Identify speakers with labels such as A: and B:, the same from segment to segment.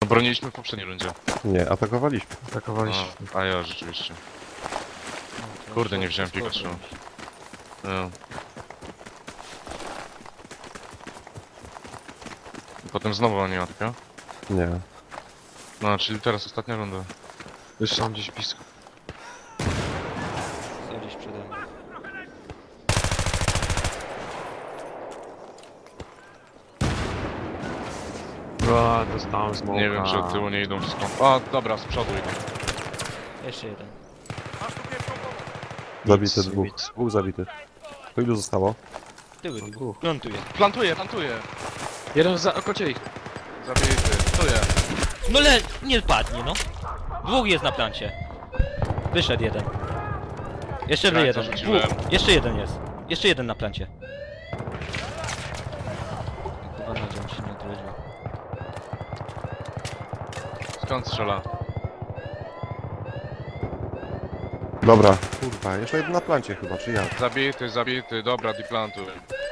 A: broniliśmy w poprzedniej rundzie.
B: Nie, atakowaliśmy.
C: Atakowaliśmy.
A: A ja rzeczywiście. Kurde, nie wziąłem Pikachu. No. I potem znowu animatka.
B: Nie.
A: No, czyli teraz ostatnia runda.
C: Już są gdzieś blisko.
D: Są gdzieś przede mną.
C: O, dostałem smoka.
A: Nie wiem, czy od tyłu nie idą wszystko. A, dobra, z przodu idą.
D: Jeszcze jeden.
B: Zabity
C: Nic,
B: dwóch.
C: nic.
B: Dwóch zabitych. To ilu zostało?
D: Tyły,
C: Dwóch.
D: plantuję.
A: Plantuję!
C: Jeden za okocie ich.
A: Zabity, plantuję.
D: No nie padnie, no. Dwóch jest na plancie. Wyszedł jeden. Jeszcze
A: Krańca
D: jeden.
A: rzuciłem.
D: Dwóch. Jeszcze jeden jest. Jeszcze jeden na plancie. Chyba nadział się nie odrodził.
A: Skąd strzela?
B: Dobra. Kurwa, jeszcze jeden na plancie chyba, czy ja?
A: Zabity, dobra, deplantuj.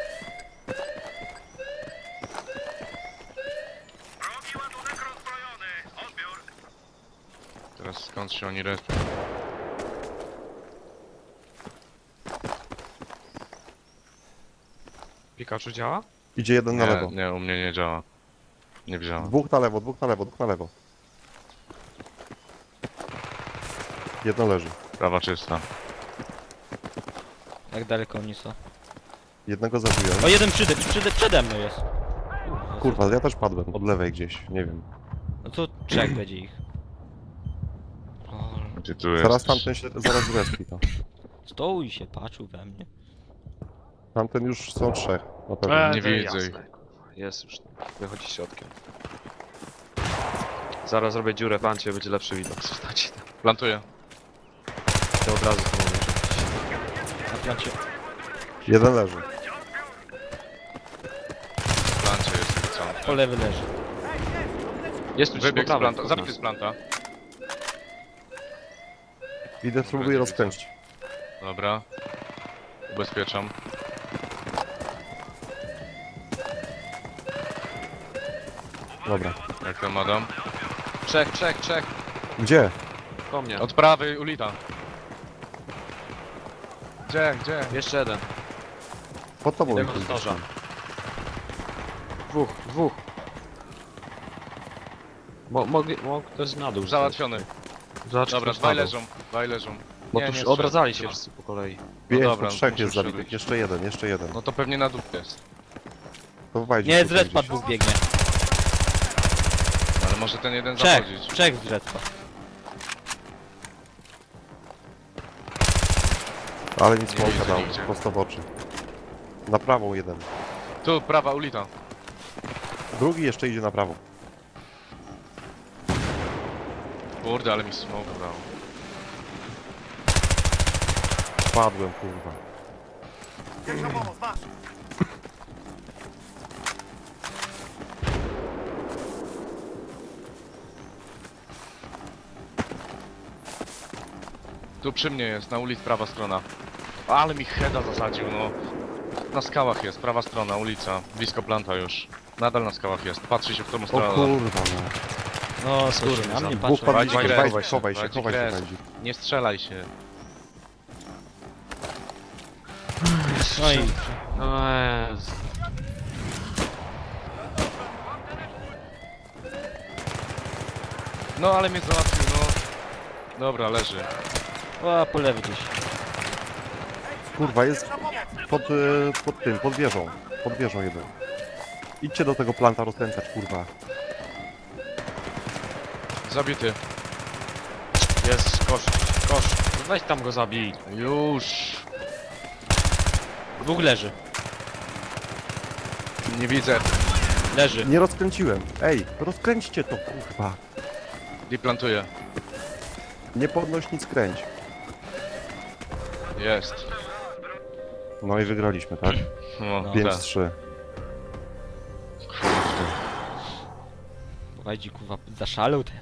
A: Teraz skąd się oni respią?
C: Pikachu działa?
B: Idzie jeden na lewo.
A: Nie, u mnie nie działa. Nie wzięła.
B: Dwóch na lewo, dwóch na lewo, dwóch na lewo. Jedno leży.
A: Prawa czysta.
D: Jak daleko oni są?
B: Jednego zabiłem.
D: O, jeden przede mną jest.
B: Kurwa, ja też padłem. Od lewej gdzieś, nie wiem.
D: No to trzech będzie ich. Lol.
A: Gdzie tu
B: Zaraz
A: jesteś?
B: tamten się, zaraz respi to.
D: Stoł i się patrzył we mnie.
B: Tamten już są trzech, na pewno.
A: Nie
C: to
A: widzę
C: jasne,
A: ich.
C: kurwa. Jest już. Wychodzi środkiem. Zaraz zrobię dziurę w ancie, będzie lepszy widok. Zostacie tam.
A: Plantuję.
C: To od razu to mówię.
D: Na plancie.
B: Jeden leży.
A: W plancie jest co?
D: Po lewy leży.
C: Jest tu
A: Wybieg z
C: po prawej,
A: planta.
C: od
A: Zabity
C: nas.
A: z planta.
B: Idę, spróbuję rozkręcić.
A: Dobra. Ubezpieczam.
B: Dobra.
A: Jak tam Adam?
C: Trzech.
B: Gdzie?
C: Po mnie.
A: Od prawej ulita. Gdzie?
C: Jeszcze jeden.
B: Pod tobą.
C: Jeden
B: ich
C: od noża. Dwóch. Mogli też na dół.
A: Załatwiony.
C: Zobacz,
A: Dobra,
C: ktoś
A: dwaj
C: na dół.
A: leżą.
C: Bo
A: Nie,
C: tu
A: nie
C: już odradzali się
A: strzela.
C: wszyscy po kolei.
B: Pięć,
A: No dobra,
B: to trzech
A: muszę
B: jest zabitych.
A: przebić.
B: Jeszcze jeden.
A: No to pewnie na dół jest.
B: To wajdzie
D: Nie, z
B: tutaj
D: respa
B: gdzieś.
D: dwóch biegnie.
A: Ale może ten jeden
D: Trzech.
A: zachodzić.
D: Trzech z respa.
B: Ale nic
A: Nie
B: smoka
A: widzę
B: dał,
A: nigdzie.
B: prosto w oczy. Na prawą jeden.
A: Tu, prawa ulita.
B: Drugi jeszcze idzie na prawą.
A: Kurde, ale mi smoke dał.
B: Padłem, kurwa.
A: Tu przy mnie jest, na ulicy prawa strona. Ale mi heada zasadził, no. Na skałach jest, prawa strona, ulica. Blisko planta już. Nadal na skałach jest. Patrzy się w którą
B: O
A: stronę.
B: kurwa, no.
D: No, skóry, na mnie
B: Dwóch
D: patrzą.
B: padliśmy,
A: Wajdzie
B: chowaj
A: kres,
B: się, chowaj się,
A: wajdzie
B: chowaj się,
A: kres.
B: Wajdzie.
A: Nie strzelaj się.
D: No i
C: No jest.
A: No ale mnie załatwił, no. Dobra, leży.
D: o, po lewy gdzieś.
B: Kurwa, jest pod tym, pod wieżą. Pod wieżą jeden. Idźcie do tego planta rozkręcać, kurwa.
A: Zabity.
C: Jest kosz. Weź tam go zabij.
A: Już.
D: Dwóch leży.
A: Nie widzę.
D: Leży.
B: Nie rozkręciłem. Ej, rozkręćcie to, kurwa.
A: Deplantuję.
B: Nie podnoś nic, kręć.
A: Jest.
B: No i wygraliśmy, tak?
A: No,
D: No.
B: 5-3.
D: Wajdzie, kurwa, zaszalał teraz.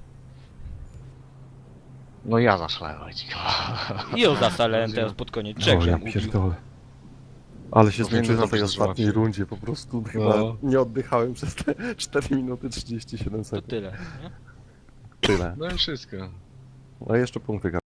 A: No ja zaszlałem.
D: I ją zasalałem teraz pod koniec. Trzech
B: O, ja
D: żem ubił.
B: pierdolę. Ale się
A: Powinny
B: zmęczyłem na tej
A: dobrze
B: ostatniej
A: złapać.
B: rundzie, po prostu chyba
A: No.
B: nie oddychałem przez te 4 minuty 37
D: To
B: sekund.
D: tyle. Nie?
B: Tyle.
A: No i wszystko.
B: No i jeszcze punkty